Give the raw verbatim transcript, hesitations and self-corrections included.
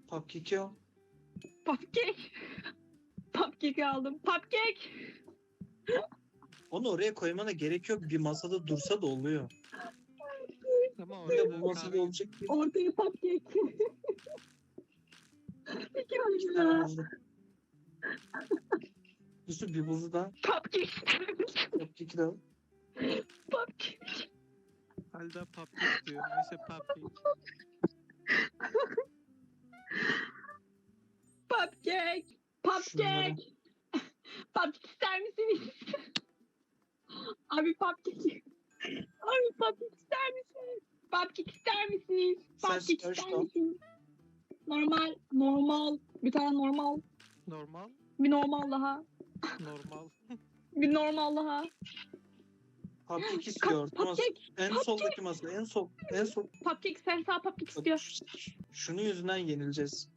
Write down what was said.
Cupcake'i al. Cupcake. Cupcake aldım. Cupcake. Onu oraya koymana gerek yok. Bir masada dursa da oluyor. Ama Bir de orada bu masada kahve olacak bir Ortaya cupcake. Peki iki öyle tane ya. buzlu. Yusuf bir buzlu da Cupcake. cupcake'i de al. Cupcake. Halda cupcake diyor. Neyse cupcake. Cupcake. Şunları. Cupcake. Cupcake ister misiniz? Abi cupcake. Abi cupcake ister misiniz? Cupcake ister misiniz? Sen Cupcake sipariş ister al. misiniz? Normal. Normal. Bir tane normal. Normal. Bir normal daha. Normal. Bir normal daha. Cupcake istiyor. Tamam. Cupcake. En soldaki masa. En sol. En sol. Cupcake. Sen sağ cupcake Bak, istiyor. şunun yüzünden yenileceğiz.